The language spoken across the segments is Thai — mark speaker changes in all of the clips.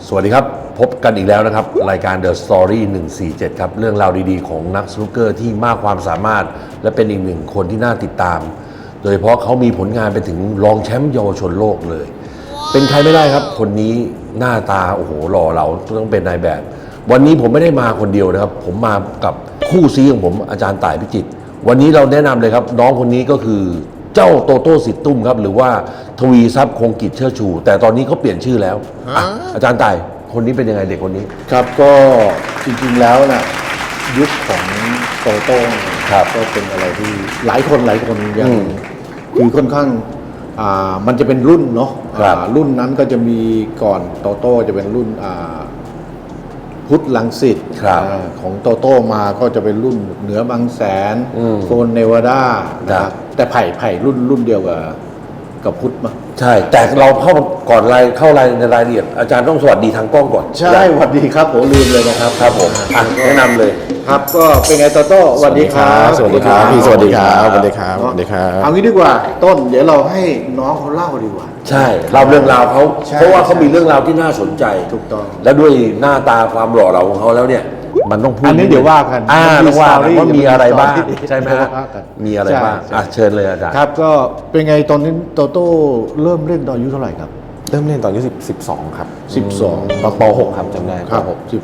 Speaker 1: สวัสดีครับพบกันอีกแล้วนะครับรายการ The Story 147ครับเรื่องราวดีๆของนักสนุกเกอร์ที่มากความสามารถและเป็นอีกหนึ่งคนที่น่าติดตาม โดยเฉพาะเขามีผลงานไปถึงรองแชมป์เยาวชนโลกเลย เป็นใครไม่ได้ครับคนนี้หน้าตาโอ้โหหล่อเหลาต้องเป็นนายแบบ วันนี้ผมไม่ได้มาคนเดียวนะครับผมมากับคู่ซีของผมอาจารย์ต่ายพิจิตรวันนี้เราแนะนำเลยครับน้องคนนี้ก็คือเจ้าโตโต้สิทธิ์ตุ้มครับหรือว่าทวีทรัพย์คงกิจเชิดชู แต่ตอนนี้เขาเปลี่ยนชื่อแล้วอาจารย์ต่ายคนนี้เป็นยังไงเด็กคนนี้
Speaker 2: ครับก็จริงๆแล้วนะยุคของโตโต้
Speaker 1: ครับ
Speaker 2: ก็เป็นอะไรที่หลายคนยังคือค่อนข้างมันจะเป็นรุ่นเนาะรุ่นนั้นก็จะมีก่อนโตโต้จะเป็นรุ่นพุทธลังสิตของโตโต้มาก็จะเป็นรุ่นเหนือบางแสนโฟนเนวาดานะครับแต่ไผ่รุ่นเดียวกับพุทธมา
Speaker 1: ใช่แต่เราก่อนเข้ารายในรายละเอียดอาจารย์ต้องสวัสดีทางกล้องก่อน
Speaker 2: ใช่สวัสดีครับผมลืมเลยนะครับ
Speaker 1: ครับผมแนะนำเลย
Speaker 2: ครับก็เป็นไงโตโต้สวัสดีครับ
Speaker 3: สวัสดีครับพี่สวัสดีครับสวัสดีครับสวัสดีครับ
Speaker 2: เอางี้ดีกว่าต้นเดี๋ยวเราให้น้องเขาเล่าดีกว่า
Speaker 1: ใช่เล่าเรื่องราวเขาเพราะว่าเขามีเรื่องราวที่น่าสนใจ
Speaker 2: ถูกต้อง
Speaker 1: และด้วยหน้าตาความหล่อเหลาของเขาแล้วเนี่ยมันต้องพูด
Speaker 2: อันนี้เดี๋ยวว่ากัน
Speaker 1: ต้องว่าว่ามีอะไรบ้างใช่ไหมมีอะไรบ้างเชิญเลยอาจารย์
Speaker 2: ครับก็เป็นไงตอนนี้โตโต้เริ่มเล่นตอนอายุเท่าไหร่ครับ
Speaker 3: เริ่มเล่นตอนอายุ12ครับ
Speaker 2: 12
Speaker 3: ตอนป.6ครับจำได้
Speaker 2: ครับ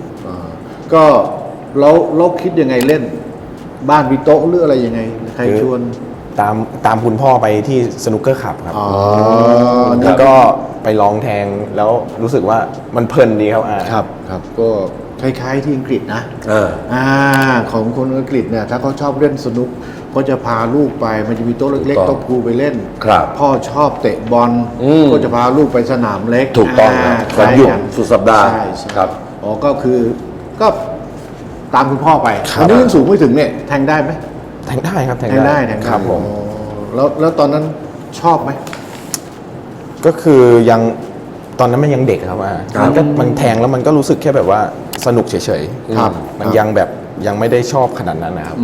Speaker 2: 10ก็เราคิดยังไงเล่นบ้านมีโต๊ะหรืออะไรยังไงใครชวน
Speaker 3: ตามคุณพ่อไปที่สนุกเกอร์คลับครับแล้วก็ไปลองแทงแล้วรู้สึกว่ามันเพลินดีครับ
Speaker 2: ครับก็คล้ายๆที่อังกฤษนะของคนอังกฤษเนี่ยถ้าเขาชอบเล่นสนุกก็จะพาลูกไปมันจะมีโต๊ะเล็กๆโต๊ะพูไปเล่นพ่อชอบเตะบอลก็จะพาลูกไปสนามเล็ก
Speaker 1: ถูกต้องวันหยุดสุดสัปดาห์ครับ
Speaker 2: ก็คือก็ตามคุณพ่อไปอันนี้ยังสูงไม่ถึงเนี่ยแทงได้ไหม
Speaker 3: แทงได้ครับ
Speaker 2: แทงได้
Speaker 3: ครับผม
Speaker 2: แล้วตอนนั้นชอบไหม
Speaker 3: ก็คือยังตอนนั้นมันยังเด็กครับมันแทงแล้วมันก็รู้สึกแค่แบบว่าสนุกเฉยๆมันยังแบบยังไม่ได้ชอบขนาดนั้นนะครับ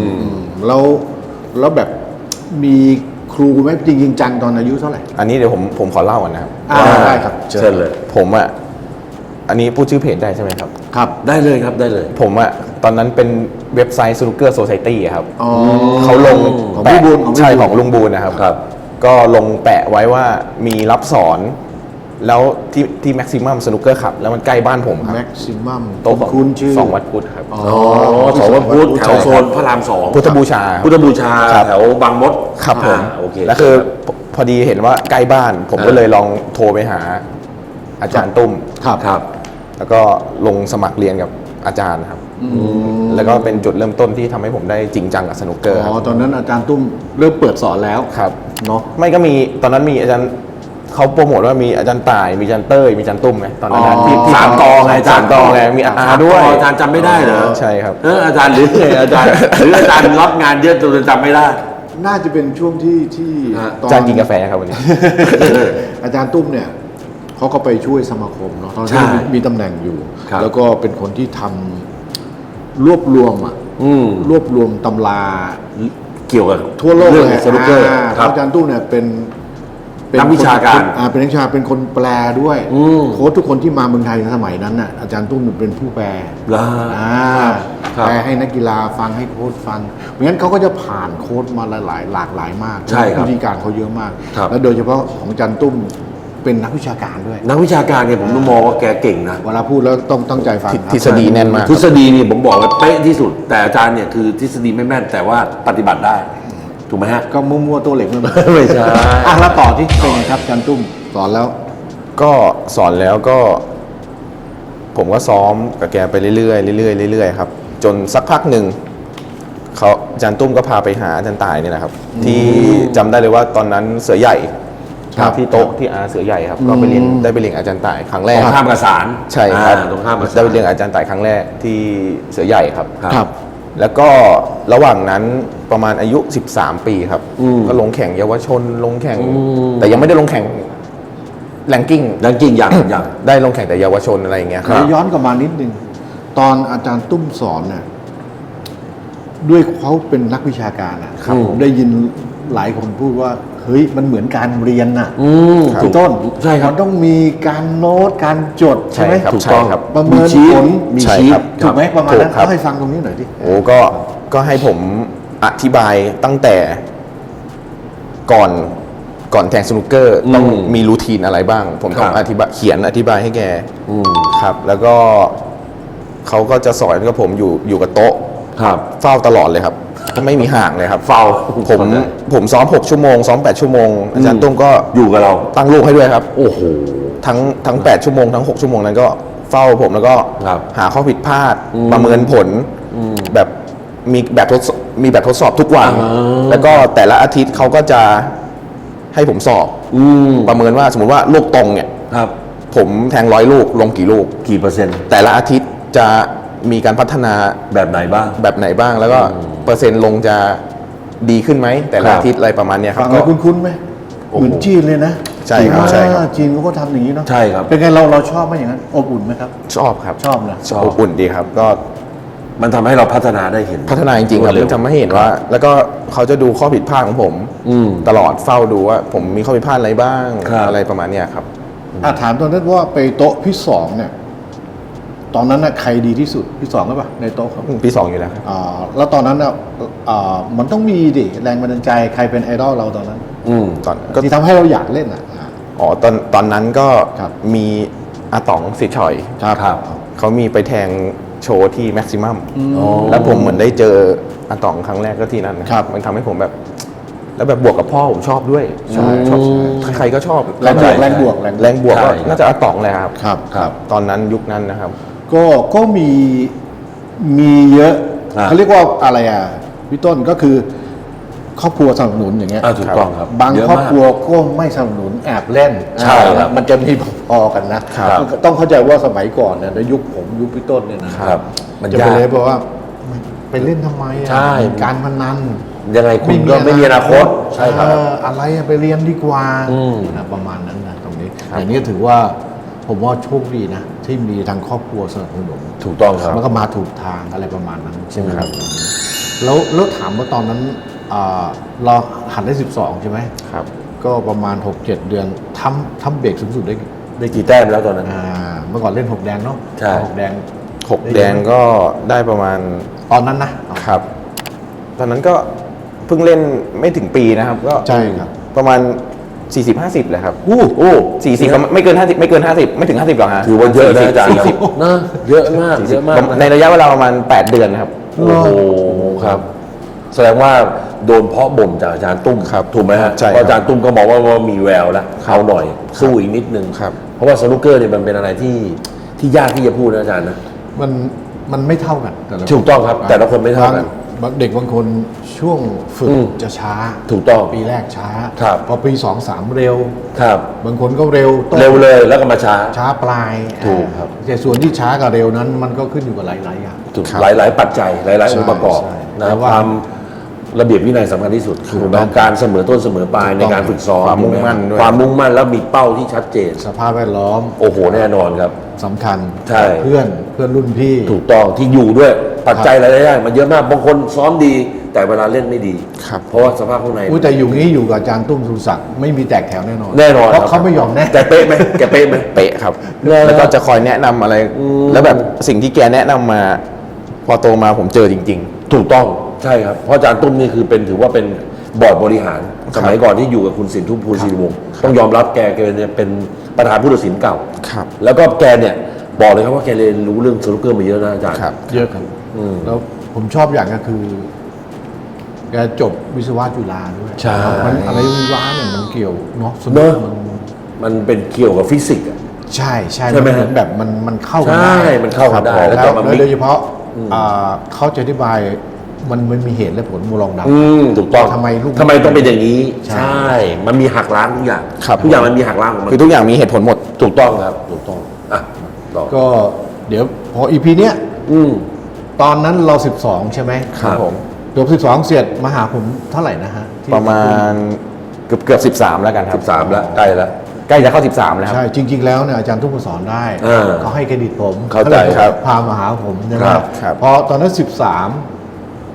Speaker 2: แล้วแบบมีครูไหมจริงจังตอนอายุเท่าไหร่
Speaker 3: อันนี้เดี๋ยวผมขอเล่าก่อนนะครับ
Speaker 2: ได้ครับ
Speaker 1: เชิญเลย
Speaker 3: ผมอันนี้พูดชื่อเพจได้ใช่ไหมครับ
Speaker 1: ครับได้เลยครับได้เลย
Speaker 3: ผมตอนนั้นเป็นเว็บไซต์ Snooker Society ครับเขาลงแปะใช่ของลุงบูนนะครับก็ลงแปะไว้ว่ามีรับสอนแล้วที่ Maximum Snooker ครับแล้วมันใกล้บ้านผมครับ
Speaker 2: Maximum
Speaker 3: โต๊ะคุณชื่อ2วัดพุทธครับ
Speaker 1: 2วัดพุทธแถวโซนพระราม2
Speaker 3: พุทธบูชา
Speaker 1: แถวบางมด
Speaker 3: ครับผมแล้วคือพอดีเห็นว่าใกล้บ้านผมก็เลยลองโทรไปหาอาจารย์ตุ้ม
Speaker 1: ครับ
Speaker 3: แล้วก็ลงสมัครเรียนกับอาจารย์ครับแล้วก็เป็นจุดเริ่มต้นที่ทำให้ผมได้จริงจังกับสนุกเกอร์
Speaker 2: ตอนนั้นอาจารย์ตุ้มเริ่มเปิดสอนแล้ว
Speaker 3: ครับ
Speaker 2: เนาะ
Speaker 3: ไม่ก็มีตอนนั้นมีอาจารย์เขาโปรโมทว่ามีอาจารย์ต่ายมีอาจารย์เต้ยมีอาจารย์ตุ้มไหมตอนนั้น
Speaker 1: ที่สามกองไงอาจารย์
Speaker 3: กองไงมีด้วย
Speaker 1: อาจารย์จำไม่ได้เหรอ
Speaker 3: ใช่ครับ
Speaker 1: อาจารย์หรือไงอาจารย์หรืออาจารย์รับงานเยอะจนจำไม่ได้
Speaker 2: น่าจะเป็นช่วงที่
Speaker 3: อาจารย์กินกาแฟครับวันนี้
Speaker 2: อาจารย์ตุ้มเนี่ยเขาก็ไปช่วยสมาคมเนาะตอนที่มีตำแหน่งอยู่แล้วก็เป็นคนที่ทำรวบรวมตำรา
Speaker 1: เกี่ยวกับ
Speaker 2: ทั่วโลกเลย
Speaker 1: สนุกเกอร์
Speaker 2: อาจารย์ตุ้มเนี่ยเป็น
Speaker 1: นักวิชาการ
Speaker 2: เป็นนักวิชาเป็นคนแปลด้วยโค้ชทุกคนที่มาเมืองไทยในสมัยนั้นน่ะอาจารย์ตุ้มเป็นผู้แปลแปลให้นักกีฬาฟังให้โค้ชฟังเพราะงั้นเขาก็จะผ่านโค้ชมาหลากหลายมากวิธีการเขาเยอะมากแล้วโดยเฉพาะของอาจารย์ตุ้มเป็นนักวิชาการด้วย
Speaker 1: นักวิชาการเนี่ยผมต้องมองว่าแกเก่งนะ
Speaker 2: เวลาพูดแล้วต้องตั้งใจฟัง
Speaker 3: ทฤษฎีแน่นมาก
Speaker 1: ทฤษฎีนี่ผมบอกว่าเป๊ะที่สุดแต่อาจารย์เนี่ยคือทฤษฎีไม่แม่นแต่ว่าปฏิบัติได้ถูกไหมฮะ
Speaker 2: ก็มั่วๆตัวเหล็ก
Speaker 1: ไม่ใช่
Speaker 2: แล้วต่อที่เป็นไงครับอาจารย์ตุ้มสอนแล้ว
Speaker 3: ก็ผมก็ซ้อมกับแกไปเรื่อยๆครับจนสักพักหนึ่งอาจารย์ตุ้มก็พาไปหาอาจารย์ต่ายนี่นะครับที่จำได้เลยว่าตอนนั้นเสือใหญ่ที่โต๊ะที่เสือใหญ่ครับก็ไปเรียนอาจารย์ต่ายครั้งแรก
Speaker 1: ตรงข้ามกับศาล
Speaker 3: ใช่ครับตรงข้ามได้ไปเรียนอาจารย์ต่ายครั้งแรกที่เสือใหญ่ครับแล้วก็ระหว่างนั้นประมาณอายุ13 ปีครับก็ลงแข่งเยาวชนลงแข่งแต่ยังไม่ได้ลงแข่งแรงกิ้ง
Speaker 1: อย่าง
Speaker 3: ได้ลงแข่งแต่เยาวชนอะไรอย่างเงี้ยครับ
Speaker 2: ย้อนกลับมานิดนึงตอนอาจารย์ตุ้มสอนเนี่ยด้วยเขาเป็นนักวิชาการผมได้ยินหลายคนพูดว่าเฮ้ยมันเหมือนการเรียนน่ะ
Speaker 3: ครับ
Speaker 2: พี่ต้น
Speaker 1: ใช่ครับ
Speaker 2: มันต้องมีการโน้ตการจดใช่ไหม
Speaker 3: ครับ
Speaker 1: ถูก
Speaker 3: ใช่
Speaker 1: ต้อง
Speaker 3: ครับ
Speaker 2: ประเมิน
Speaker 1: ชีท
Speaker 2: ผล
Speaker 1: มี
Speaker 3: ใช่
Speaker 1: ชีท
Speaker 3: ครับ
Speaker 2: ถูกไหมประมาณนั้น
Speaker 3: ถูกครับ
Speaker 2: เล่าให้ฟังตรงนี้หน่อยดิ
Speaker 3: โอ้ก็ให้ผมอธิบายตั้งแต่ก่อนแทงสนุกเกอร์ต้องมีรูทีนอะไรบ้าง ผมต้อง
Speaker 1: ครับ
Speaker 3: อธิบายให้แก
Speaker 1: อืม
Speaker 3: ครับ แล้วก็เขาก็จะสอนกับผมอยู่กับโต๊ะ
Speaker 1: ครับ
Speaker 3: เฝ้าตลอดเลยครับไม่มีห่างเลยครับ
Speaker 1: เฝ้า
Speaker 3: ผมซ้อม6 ชั่วโมงซ้อม8 ชั่วโมงอาจารย์ตุ้มก็
Speaker 1: อยู่กับเรา
Speaker 3: ตั้งลูกให้ด้วยครับ
Speaker 1: โอ้โห
Speaker 3: ทั้ง8 ชั่วโมงทั้ง6 ชั่วโมงนั้นก็เฝ้าผมแล้วก็
Speaker 1: ครับ
Speaker 3: หาข้อผิดพลาด
Speaker 1: อืม
Speaker 3: ประเมินผล แบบมีแบบทดสอบทุกวัน
Speaker 1: อ่า
Speaker 3: แล้วก็แต่ละอาทิตย์เขาก็จะให้ผมสอบ ประเมินว่าสมมติว่าลูกตรงเนี่ย
Speaker 1: ครับ
Speaker 3: ผมแทง100 ลูกลงกี่ลูก
Speaker 1: กี่เปอร์เซ็นต์
Speaker 3: แต่ละอาทิตย์จะมีการพัฒนา
Speaker 1: แบบไหนบ้าง
Speaker 3: แบบไหนบ้าง แล้วก็เปอร์เซ็นต์ลงจะดีขึ้นไหมแต่ละ
Speaker 1: ครับ
Speaker 3: อาทิตย์อะไรประมาณเนี้ยครั
Speaker 2: ฟั
Speaker 3: บ
Speaker 2: งแล้วคุ้นๆไหม
Speaker 1: โอ้โห
Speaker 2: เหมือนจีนเลยนะ
Speaker 3: ใช่ครับใช่ครับ
Speaker 2: จีนเขาก็ทำอย่างนี้เนาะ
Speaker 1: ใช่ครับ
Speaker 2: เป็นไงเราชอบไหมอย่างนั้นอบอุ่นไหมครับ
Speaker 3: ชอบครับ
Speaker 2: ชอบนะ
Speaker 1: ชอบ
Speaker 3: อบอุ่นดีครับ ก็
Speaker 1: มันทำให้เราพัฒนาได้เห็น
Speaker 3: พัฒนาจริงๆครับ
Speaker 1: เร็ว
Speaker 3: มันทำให้เห็นว่า แล้วก็เขาจะดูข้อผิดพลาดของผม ตลอดเฝ้าดูว่าผมมีข้อผิดพลาดอะไรบ้าง
Speaker 1: ครับ
Speaker 3: อะไรประมาณเนี้ยครับ
Speaker 2: ถามตอนนั้นว่าไปโต๊ะพี่สองเนี่ย ตอนนั้นน่ะใครดีที่สุดพี่สองหรือเปล่าในโต๊ะครับ
Speaker 3: ปี 2อยู่แล้วครับ
Speaker 2: แล้วตอนนั้นน่ะมันต้องมีดิแรงบันดาลใจใครเป็นไอดอลเราตอนนั้น
Speaker 3: ตอนก็
Speaker 2: ที่ทำให้เราอยากเล่นอ่ะ
Speaker 3: อ๋อตอนนั้นก็
Speaker 2: ครับ
Speaker 3: มีอาต๋องสิทธิ์ฉอย
Speaker 1: ครับ
Speaker 3: เขามีไปแทงโชว์ที่แม็กซิมัม
Speaker 1: อ๋อ
Speaker 3: แล้วผมเหมือนได้เจออาต๋องครั้งแรกก็ที่นั่นนะครับ มันทำให้ผมแบบ แล้วแบบบวกกับพ่อผมชอบด้วย
Speaker 2: ใช่
Speaker 3: ชอบใครๆก็ชอบ
Speaker 2: แรงบวก
Speaker 1: ใช่
Speaker 2: แรงบวก
Speaker 3: แรงบวกก็
Speaker 1: ใช่
Speaker 3: น่าจะอาต๋องเลยครับ
Speaker 2: ครับ
Speaker 3: ตอนนั้นยุคนั้นนะครับ
Speaker 2: ก็มีเยอะ
Speaker 1: ครับ
Speaker 2: เขาเรียกว่าอะไรอ่ะพี่ต้นก็คือ ครอบครัวสนับสนุนอย่างเงี้ย
Speaker 1: ถูกต้องครับ
Speaker 2: บาง
Speaker 1: เยะ
Speaker 2: ครอบ
Speaker 1: มาก
Speaker 2: ครัวก็ไม่สนับสนุนแอบเล่น
Speaker 1: ใช่ครับ
Speaker 2: มันจะมีพอๆกันนะครับ ต้องเข้าใจว่าสมัยก่อนเนี่ยในยุคผมยุคพี่ต้นเนี่ยนะครับ
Speaker 1: มัน
Speaker 2: จะ
Speaker 1: ยา
Speaker 2: ไป
Speaker 1: ก
Speaker 2: เลยบอกว่าไปเล่นทำไมอ่ะ
Speaker 1: ใช่
Speaker 2: การพนัน
Speaker 1: ยังไงคุณก็ไม่มีอนาคต ใช่ครับ
Speaker 2: อะไรอะไปเรียนดีกว่า
Speaker 1: ม
Speaker 2: นะประมาณนั้นนะตรงนี้อย่างนี้ถือว่าผมว่าโชคดีนะ ที่มีทางครอบครัวสนับสนุน
Speaker 1: ถูกต้องครับ
Speaker 2: มันก็มาถูกทางอะไรประมาณนั้นใช่ไหมครับ แล้วถามว่าตอนนั้นเราหัดได้ 12 ใช่ไหม
Speaker 3: ครับ
Speaker 2: ก็ประมาณ 6-7 เดือนทำเบรกสูงสุดได้
Speaker 1: กี่แต้มแล้วตอนนั้น
Speaker 2: เมื่อก่อนเล่น 6 แดงเนาะ
Speaker 1: ใช่
Speaker 2: 6 แดง
Speaker 3: 6 แดงก็ได้ประมาณ
Speaker 2: ตอนนั้นนะ
Speaker 3: ครับ ตอนนั้นก็เพิ่งเล่นไม่ถึงปีนะครับ ก็
Speaker 2: ใช่ครับ
Speaker 3: ประมาณ 40-50เลยครับ
Speaker 1: โอ้
Speaker 3: 40ประมาณไม่เกิน 50 ไม่เกิน 50 ไม่ถึง 50หรอกฮะ
Speaker 1: ถือว่าเยอะนะอาจารย์
Speaker 3: 40
Speaker 1: นะเยอะมากเยอะมาก
Speaker 3: ในระยะเวลาประมาณ 8 เดือนนะครับ
Speaker 1: โอ้โหครับ แสดงว่าโดนเพาะบ่มจากอาจารย์ตุ้ม
Speaker 3: ครับ
Speaker 1: ถูกไหมฮะ
Speaker 3: ใช่ครับ
Speaker 1: เพราะอาจารย์ตุ้มก็มองว่ามีแววแล้วเอาหน่อย สู้อีกนิดนึง
Speaker 3: ครับ
Speaker 1: เพราะว่าสนุกเกอร์เนี่ยมันเป็นอะไรที่ยากที่จะพูดนะอาจารย์นะ
Speaker 2: มันไม่เท่ากันแต่ละคน
Speaker 1: ถูกต้องครับแต่ละคนไม่เท่ากัน
Speaker 2: บางเด็กบางคนช่วงฝึก
Speaker 1: อืม
Speaker 2: จะช้า
Speaker 1: ถูกต้อง
Speaker 2: ปีแรกช้า
Speaker 1: ครับ
Speaker 2: พอปี 2-3 เร็ว
Speaker 1: ครับ
Speaker 2: บางคนก็เร็วต้น
Speaker 1: เร็วเลยแล้วก็มาช้า
Speaker 2: ช้าปลาย
Speaker 1: ถูกครับ
Speaker 2: แต่ส่วนที่ช้ากับเร็วนั้น มันก็ขึ้นอยู่กับหลายๆอย่าง
Speaker 1: ถูก
Speaker 3: ครับ
Speaker 1: หลาย ๆ ปัจจัยหลาย ๆ องค์ประกอบ
Speaker 2: ใช่
Speaker 1: นะ
Speaker 2: แต่ว่า
Speaker 1: ความระเบียบวินัยสำคัญที่สุด
Speaker 2: ถูก
Speaker 1: ถูก
Speaker 2: ต้
Speaker 1: ต้
Speaker 2: อ
Speaker 1: อง งการเสมอต้นเสมอปลายในการฝึกซ้อม
Speaker 3: ความมุ่งมั่นด้วย
Speaker 1: ความมุ่งมั่นแล้วมีเป้าที่ชัดเจน
Speaker 2: สภาพแวดล้อม
Speaker 1: โอ้โหแน่นอนครับ
Speaker 2: สำคัญ
Speaker 1: ใช่
Speaker 2: เพื่อนรุ่นพี่
Speaker 1: ถูกต้องที่อยู่ด้วยปัจจัยหลายๆอย่างมันเยอะมากบางคนซ้อมดี แต่เวลาเล่นไม่ดี
Speaker 3: ครับ
Speaker 1: เพราะว่าสภาพข้างใน
Speaker 2: อุ้ยแต่อยู่งี้อยู่กับอาจารย์ตุ้มสุรศักดิ์ไม่มีแตกแถวแน่นอน
Speaker 1: แน่นอน
Speaker 2: เพราะ
Speaker 1: ครับ
Speaker 2: เขาไม่ยอมแน่
Speaker 1: แกเป๊ะไหมแกเป๊ะไหม
Speaker 3: เป๊ะครับ
Speaker 1: เลย
Speaker 3: แล้วก็จะคอยแนะนำอะไร แล้วแบบสิ่งที่แกแนะนำมา พอโตมาผมเจอจริง
Speaker 1: ถูกต้องใช่ครับเพราะอาจารย์ตุ้มนี่คือถือว่าเป็นบอร์ดบริหาร สมัยก่อนที่อยู่กับคุณสินทุพภูลศิริวงศ์ต้องยอมรับแกเนี่ยเป็นประธานผู้ตัดสินเก่า
Speaker 3: ครับ
Speaker 1: แล้วก็แกเนี่ยบอกเลยครับว่าแกเรียนรู้เรื่องสนุกเกอร์มาเยอะนะอาจารย์
Speaker 3: ครับ
Speaker 2: เยอะครับ
Speaker 1: อืม
Speaker 2: แล้วผมชอบอย่างก็คือ แกจบวิศวะจุฬาด้วย
Speaker 1: ใช่
Speaker 2: มันอะไรวิศวะเนี่ยมันเกี่ยวเนาะส
Speaker 1: เน
Speaker 2: นุ
Speaker 1: อะ
Speaker 2: กมัน
Speaker 1: มันเป็นเกี่ยวกับฟิสิกส์อะ
Speaker 2: ใช่ใช่
Speaker 1: ใช่ไหม
Speaker 2: นเหอนแบบมันเข้ากัน
Speaker 1: ใช่
Speaker 2: ได้
Speaker 1: มันเข้ากันได้
Speaker 2: ครับ
Speaker 1: แล้ว
Speaker 2: แล้ว
Speaker 1: ก็มา
Speaker 2: แล้ว
Speaker 1: mix
Speaker 2: โดยเฉพาะเขาจะอธิบายมันมีเหตุและผลมูลองดำ
Speaker 1: ถูกต้อง
Speaker 2: ทำไมลูก
Speaker 1: ทำไมต้องเป็นอย่างนี้
Speaker 2: ใช่
Speaker 1: ใช่ มันมีหักล้างทุกอย่าง
Speaker 3: ครับ
Speaker 1: ทุกอย่างมันมีหักล้างของมัน
Speaker 3: คือทุกอย่างมีเหตุผลหมด
Speaker 1: ถูกต้องครับถูกต้องอ่ะต่อ
Speaker 2: ก็เดี๋ยวพออีพีเนี้ย
Speaker 1: อืม
Speaker 2: ตอนนั้นเรา 12 ใช่ไหม
Speaker 1: ครับผม
Speaker 2: จบ12 เสร็จมาหาผมเท่าไหร่นะฮะที่
Speaker 3: ประมาณเกือบ13 แล้วกันครับ
Speaker 1: 13แล้วใกล้แล้ว
Speaker 3: ใกล้จะเข้า 13 แล้วครับ
Speaker 2: ใช่จริง ๆ แล้วเนี่ยอาจารย์ทุกคนสอนได้ เขาให้เครดิตผม
Speaker 1: เข้าใจ
Speaker 2: ขลย
Speaker 1: ครับ
Speaker 2: พามาหาผมใช่ไหม
Speaker 1: ครับ
Speaker 3: ครับ
Speaker 2: พอตอนนั้น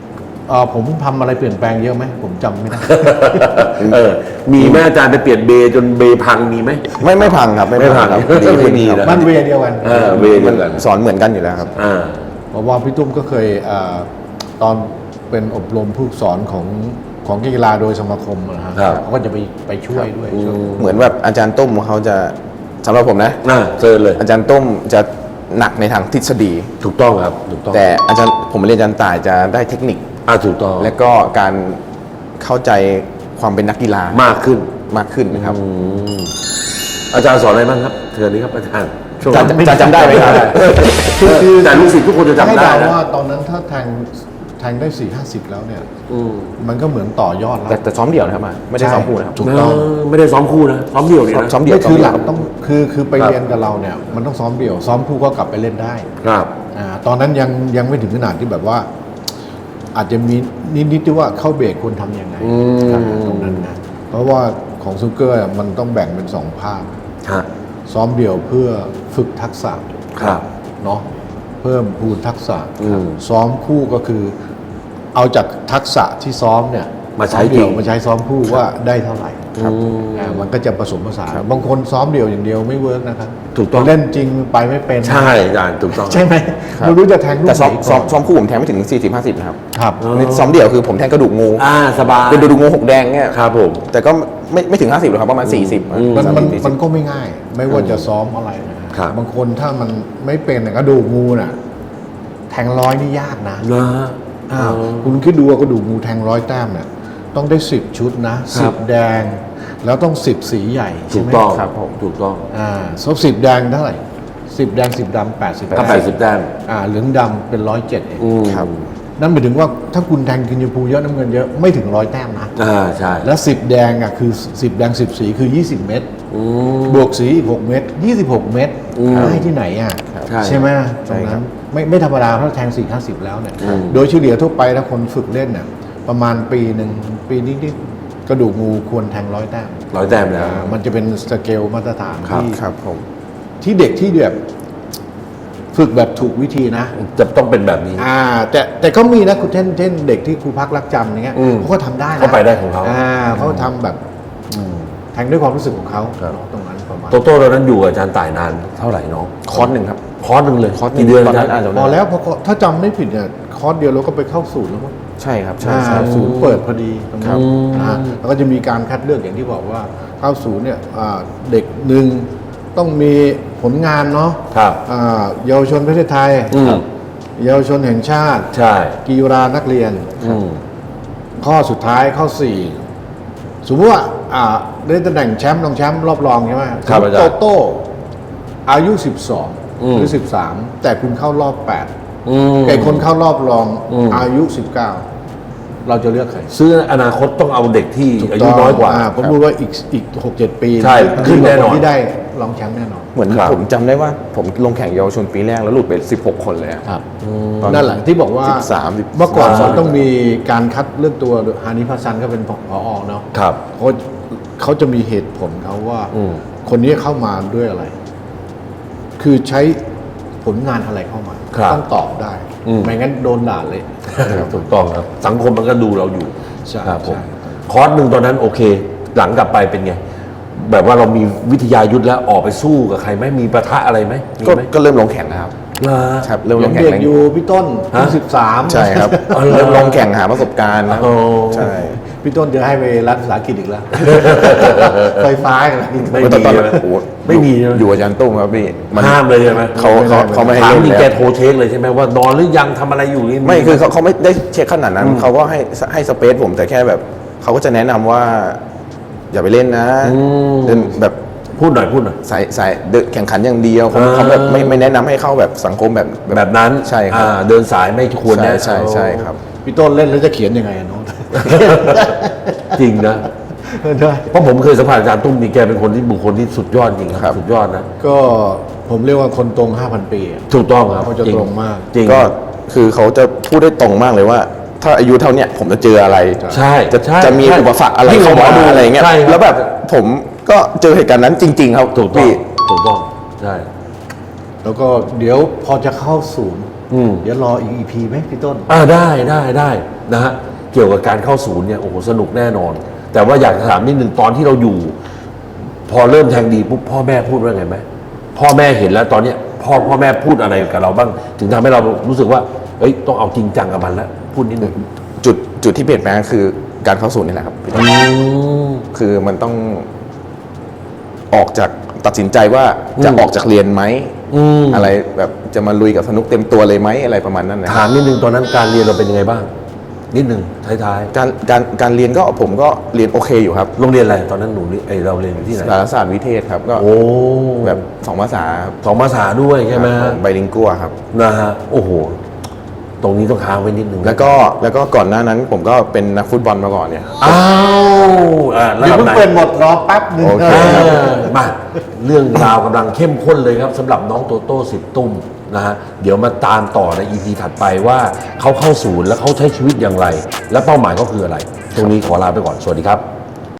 Speaker 2: ผมทำอะไรเปลี่ยนแปลงเยอะไหมผมจำไม่ได้
Speaker 1: มีแม่อาจารย์ไปเปลี่ยนเบจนเบพังมีไหม
Speaker 3: ไม่พังครับไม่พังครับ
Speaker 1: ไม่พัง
Speaker 3: ดีขึ้น
Speaker 1: ดี
Speaker 3: ครับ
Speaker 1: นะ
Speaker 2: มันเวย์เดียวกัน
Speaker 1: เวเดียวกัน
Speaker 3: สอนเหมือนกันอยู่แล้วครับ
Speaker 2: เพราะว่าพี่ตุ้มก็เคยตอนเป็นอบรมผู้สอนของกีฬาโดยสมาคมนะฮะ
Speaker 1: ครับ
Speaker 2: เขาก็จะไปช่วยด้วยช่วย
Speaker 3: เหมือนแบบอาจารย์ตุ้มเขาจะสำหรับผมนะ
Speaker 1: เจอเลย
Speaker 3: อาจารย์ตุ้มจะหนักในทางทฤษฎี
Speaker 1: ถูกต้องครับถูกต้อง
Speaker 3: แต่อาจารย์ผมเรียนอาจารย์ต่ายจะได้เทคนิค
Speaker 1: ถูกต้อง
Speaker 3: และก็การเข้าใจความเป็นนักกีฬาม
Speaker 1: ากขึ้น
Speaker 3: มากขึ้นนะครับ
Speaker 1: อาจารย์สอนอะไรบ้างครับเชิญนี้ครับอาจารย์ช่วง
Speaker 3: จะจำได้ไหมครับ
Speaker 1: แต่ลูกศิษย์ทุกคนจะจำ
Speaker 2: ให้
Speaker 1: ได้
Speaker 2: เดา
Speaker 1: นะ
Speaker 2: ว่าตอนนั้นถ้าแทงได้4-50แล้วเนี่ยมันก็เหมือนต่อยอดแล้ว
Speaker 3: แต่ซ้อมเดี่ยวนะครับไม่ได้ซ้อมคู่นะครับ
Speaker 2: ถูกต้อง
Speaker 1: ไม่ได้ซ้อมคู่นะซ้อมเดี่ยวเนี่ยนะ
Speaker 3: ซ้อมเดี่ยว
Speaker 2: ไม่คือหลัก
Speaker 3: ซ้มเดี่ยว
Speaker 2: ต้องคือไปเรียนกับเราเนี่ยมันต้องซ้อมเดี่ยว ซ้อมคู่ก็กลับไปเล่นได้
Speaker 1: ครับ
Speaker 2: ตอนนั้นยังไม่ถึงขนาดที่แบบว่า อาจจะมีนิดๆที่ว่าเข้าเบรกควรทำยังไงตรงนั้นนะเพราะว่าของซูเกอร์มันต้องแบ่งเป็น2ภาค
Speaker 1: ฮะ
Speaker 2: ซ้อมเดี่ยวเพื่อฝึกทักษะ
Speaker 1: ครับ
Speaker 2: เนาะเพิ่มพูนทักษะ
Speaker 1: อืม
Speaker 2: ซ้อมคู่ก็คือ เอาจากทักษะที่ซ้อมเนี่ย
Speaker 1: มาใช้
Speaker 2: ซ้อเดี่ยว
Speaker 1: จริง
Speaker 2: มาใช้ซ้อมคู่ว่าได้เท่าไหร่
Speaker 1: ครับ
Speaker 2: มันก็จะผสมผสานบางคนซ้อมเดี่ยวอย่างเดียวไม่เวิร์กนะครับ
Speaker 1: ถูกต้อง
Speaker 2: เล่นจริงไปไม่เป็น
Speaker 1: ใช่อาจารย์ถูกต้อง
Speaker 2: ใช่ไหม
Speaker 3: ครับ
Speaker 2: ไม่รู้จะแทงลูก
Speaker 3: แต่ซ้อม
Speaker 2: ไหน
Speaker 3: ซ้อม
Speaker 2: ก่น
Speaker 3: ซ้อมคู่ผมแทงไม่ถึง 40-50 นะครับ
Speaker 2: ครับ
Speaker 3: นี่ซ้อมเดี่ยวคือผมแทงกระดูกงู
Speaker 1: สบาย
Speaker 3: เป็นกระดูกงูหกแดงเนี่ย
Speaker 1: ครับผม
Speaker 3: แต่ก็ไม่ถึง 50หรอกครับประมาณ 40
Speaker 2: มันก็ไม่ง่าย ไม่ว่าจะซ้อมอะไรนะครับ บางคนถ้ามันไม่เป็นเนี่ยกระดูกงูน่ะ แทงร้อยนี่ยากนะ
Speaker 1: นะ
Speaker 2: คุณคิดดูว่ากระดูกงูแทง100 แต้มเนี่ยต้องได้10 ชุดนะ
Speaker 1: ครับ
Speaker 2: 10แดง แล้วต้อง10สีใหญ่
Speaker 1: ถู
Speaker 2: ใช่
Speaker 1: ก
Speaker 2: ไหม
Speaker 1: ต้อง
Speaker 3: ครับผม
Speaker 1: ถูกต้อง
Speaker 2: 10แดงเท่าไหร่10แดง10ดำ80
Speaker 1: ก็80แต้ม
Speaker 2: เหลืองดำเป็น107เอง
Speaker 3: ครับ
Speaker 2: นั่นหมายถึงว่าถ้าคุณแทงกินชมพูเยอะน้ำเงินเยอะไม่ถึง100 แต้มนะ
Speaker 1: ใช่
Speaker 2: แล้ว10แดงคือ10แดง10สีคือ20 เม็ดบวกสีอีก6เม็ด26 เม็ดได้ที่ไหนใช่ไหมตรงนั้นไม่ธรรมดาถ้าแทง4-50แล้วเนี่ยโดยเฉลี่ยทั่วไปถ้าคนฝึกเล่นเนี่ยประมาณปีหนึ่งปีนิดๆกระดูกงูควรแทง100 แต้ม
Speaker 1: 100แต้มแล้ว
Speaker 2: มันจะเป็นสเกลมาตรฐาน
Speaker 1: ครับ
Speaker 3: ครับผม
Speaker 2: ที่เด็กที่แบบฝึกแบบถูกวิธีนะ
Speaker 1: จะต้องเป็นแบบนี้
Speaker 2: แต่ก็มีนะคุณเช่นเด็กที่ครูพักรักจำอย่างเงี้ย
Speaker 1: อืม
Speaker 2: เขาก็ทำได้นะ
Speaker 1: เขาไปได้ของเขา
Speaker 2: เขาทำแบบแทงด้วยความรู้สึกของเขา
Speaker 1: ครับ
Speaker 2: ตรงนั้นประมาณ
Speaker 1: โตโต้ตอนนั้นอยู่กับอาจารย์ต่ายนานเท่าไหร่น้อง
Speaker 3: คอร์สหนึ่งครับ
Speaker 1: คอร์สหนึ่งเลย
Speaker 3: คอร์สห
Speaker 1: กี่เดือน
Speaker 3: ตอนนั้น
Speaker 1: อา
Speaker 3: อา
Speaker 1: จา
Speaker 3: จ
Speaker 1: รย์
Speaker 3: จะ
Speaker 2: พอแล้วถ้าจำไม่ผิดเนี่ยคอร์สเดียวเราก็ไปเข้าศูนย์แล้วมั้ง
Speaker 3: ใช่ครับใช่ใช่
Speaker 2: ศูนย์เปิดพอดีตรง
Speaker 3: ครั
Speaker 2: นั้น
Speaker 3: บ
Speaker 2: แล้วก็จะมีการคัดเลือกอย่างที่บอกว่าเข้าศูนย์เนี่ยเด็กหนึ่งต้องมีผลงานเนาะ
Speaker 1: ครับ
Speaker 2: เยาวชนประเทศไทย เยาวชนแห่งชาติ
Speaker 1: ใช่
Speaker 2: กีฬานักเรียน ข้อสุดท้ายข้อ 4 สมมติว่าได้ตำแหน่งแชมป์รองแชมป์รอบรองใช่ไหม
Speaker 1: ครับ
Speaker 2: สมมุติ
Speaker 1: อาจารย์
Speaker 2: โตโต้อายุ 12 หรือ 13 แต่คุณเข้ารอบ 8 แต่คนเข้ารอบรองอายุ 19 เราจะเลือกใคร
Speaker 1: ซื้ออนาคตต้องเอาเด็กที่อายุน้อยกว่า
Speaker 2: ผมพูดว่าอีก 6-7 ปี
Speaker 1: ใช่ขึ้นแน่นอน
Speaker 2: ที่ได้รองแชมป์แน่นอน
Speaker 3: เหมือน
Speaker 1: ครับ
Speaker 3: ผมจำได้ว่าผมลงแข่งเยาวชนปีแรกแล้วหลุดไป16 คนเลยอะ
Speaker 2: ครับ
Speaker 3: ตอน
Speaker 2: นั่นแหละที่บอกว่า
Speaker 3: 13
Speaker 2: เมื่อก่อนมันต้องมีการคัดเลือกตัวฮานิพัสซันก็เป็นผอเนาะ
Speaker 1: ครับ
Speaker 2: เขาจะมีเหตุผลเขาว่า
Speaker 1: อืม
Speaker 2: คนนี้เข้ามาด้วยอะไร คือใช้ผลงานอะไรเข้ามา
Speaker 1: ครับ
Speaker 2: ต้องตอบได้ ไม่งั้นโดนด่าเลย
Speaker 1: ถูกต้องครับ สังคมมันก็ดูเราอยู่
Speaker 2: ใช่
Speaker 1: ครับผม
Speaker 2: ใช่
Speaker 1: คอร์สหนึ่งตอนนั้นโอเค หลังกลับไปเป็นไง แบบว่าเรามีวิทยายุทธแล้วออกไปสู้กับใครไหมมีประทะอะไรไหมมี
Speaker 3: ก็
Speaker 1: ไหม
Speaker 3: ก็เริ่มลงแข่งนะครับ
Speaker 1: เหรอ
Speaker 3: ครับเริ่มล
Speaker 2: ยัง ง
Speaker 3: แข่ง
Speaker 2: เด็ก
Speaker 3: แล้ว
Speaker 2: อยู่พี่ต้น
Speaker 1: ฮะ
Speaker 2: 13
Speaker 3: ใช่ครับ
Speaker 1: อ๋อเหรอ
Speaker 3: เริ่มลงแข่งหาประสบการณ์นะ
Speaker 1: โอ้
Speaker 3: ใช่
Speaker 2: พี่ต้นจะให้ไปรัฐภาษาอังกฤษอีกแล้ว ไฟฟ้าอีกแล้ว
Speaker 1: ไม่
Speaker 3: ตอน
Speaker 1: มี
Speaker 3: นั้น
Speaker 1: นะ
Speaker 3: โอ้โห
Speaker 1: ไม่มีนะ
Speaker 3: อยู่อาจารย์ตุ้มครับพี่น
Speaker 1: ห้ามเลยใช่ไหม
Speaker 3: เขาไม่ให้
Speaker 1: ถาม
Speaker 3: เล่น
Speaker 1: จริง
Speaker 3: แล้ว
Speaker 1: แกโทรเช็คเลยใช่ไหมว่านอนหรือยังทำอะไรอยู่นี่
Speaker 3: ไม่คือเขาไม่ได้เช็คขนาดนั้นเขาก็ให้สเปซผมแต่แค่แบบเขาก็จะแนะนำว่า อย่าไปเล่นนะเล่นแบบ
Speaker 1: พูดหน่อยพูดหน่อย
Speaker 3: สายเดินแข่งขันอย่างเดียวเขาแบบไม่แนะนำให้เข้าแบบสังคมแบบ
Speaker 1: แบบนั้น
Speaker 3: ใช่ครับ
Speaker 1: เดินสายไม่ควร
Speaker 3: ใช่
Speaker 1: นะ
Speaker 3: ใช่ครับ
Speaker 2: พี่ต้นเล่นแล้วจะเขียนยังไงอะน้อง
Speaker 1: จริงนะ
Speaker 2: ได้
Speaker 1: เพราะผมเคยสัมผัสอาจารย์ตุ้มนี่แกเป็นคนที่บุคคลที่สุดยอดจริงค
Speaker 3: ครั
Speaker 1: รับ สุดยอดนะ
Speaker 2: ก็ผมเรียกว่าคนตรง 5,000 ปีอะ
Speaker 1: ถูกต้องครับ
Speaker 2: เขาจะ
Speaker 1: จ
Speaker 2: ตรงมาก
Speaker 1: จริง
Speaker 3: ก็คือเขาจะพูดได้ตรงมากเลยว่า ถ้าอายุเท่าเนี้ยผมจะเจออะไร
Speaker 1: ใช่
Speaker 3: จะ
Speaker 1: ใช่
Speaker 3: มีอุปสรรคอะไร
Speaker 1: ที่
Speaker 3: เข้ามา
Speaker 1: หมอดู
Speaker 3: อะไรเงี้ย
Speaker 1: ใช่ครับ
Speaker 3: แล้วแบบผมก็เจอเหตุการณ์นั้นจริง ๆ ครับ
Speaker 1: ถูกต้อง
Speaker 3: พี่
Speaker 1: ถูกต้องใช่
Speaker 2: แล้วก็เดี๋ยวพอจะเข้าศูนย์เดี๋ยวรออีก EP ไหมพี่ต้น
Speaker 1: ได้นะฮะเกี่ยวกับการเข้าศูนย์เนี่ยโอ้โหสนุกแน่นอน แต่ว่าอยากจะถามนิดนึงตอนที่เราอยู่ พอเริ่มแทงดีปุ๊บพ่อแม่พูดว่าไงไหมพ่อแม่เห็นแล้วตอนเนี้ยพ่อแม่พูดอะไรกับเราบ้าง ถึงทำให้เรารู้สึกว่าเอ้ยต้องเอาจริงจังกับมันแล้วพูดนิดนึง
Speaker 3: จุดที่เปลี่ยนแปลงคือการเข้าศูนย์นี่แหละครับพี่ต้นคือมันต้องออกจากตัดสินใจว่าจะออกจากเรียนไหมอะไรแบบจะมาลุยกับสนุกเต็มตัวเลยไหมอะไรประมาณนั้นนะ
Speaker 1: ถามนิดนึงตอนนั้นการเรียนเราเป็นยังไงบ้าง นิดนึงท้าย
Speaker 3: การเรียนก็ผมก็เรียนโอเคอยู่ครับ
Speaker 1: ๆโรงเรียนอะไรตอนนั้นหนูนี่เราเรียนอยู่ที่ไหน
Speaker 3: สารศาสตร์วิเทศครับก็
Speaker 1: โอ้
Speaker 3: แบบ2 ภาษาครับ
Speaker 1: สองภาษาด้วยใช่ไหมฮะ
Speaker 3: ไบลิงกัวครับ
Speaker 1: นะฮะโอ้โหตรงนี้ต้องค้างไว้นิดนึง
Speaker 3: แล้วก็ก่อนหน้านั้นผมก็เป็นนักฟุตบอลมาก่อนเนี่ย
Speaker 1: อ้าวระ
Speaker 2: เดี๋ย
Speaker 1: ดั
Speaker 2: ว
Speaker 1: บ
Speaker 2: เพิ่ง
Speaker 1: ไหน
Speaker 2: เปิดหมดรอแป๊บหนึง
Speaker 3: โอเค
Speaker 1: มาเรื่องราวกำลังเข้มข้นเลยครับสำหรับน้องโตโต้สิทธิ์ตุ้มนะฮะเดี๋ยวมาตามต่อใน EP ถัดไปว่าเขาเข้าศูนย์แล้วเขาใช้ชีวิตอย่างไร และเป้าหมายก็คืออะไร ตรงนี้ขอลาไปก่อนสวัสดีครับ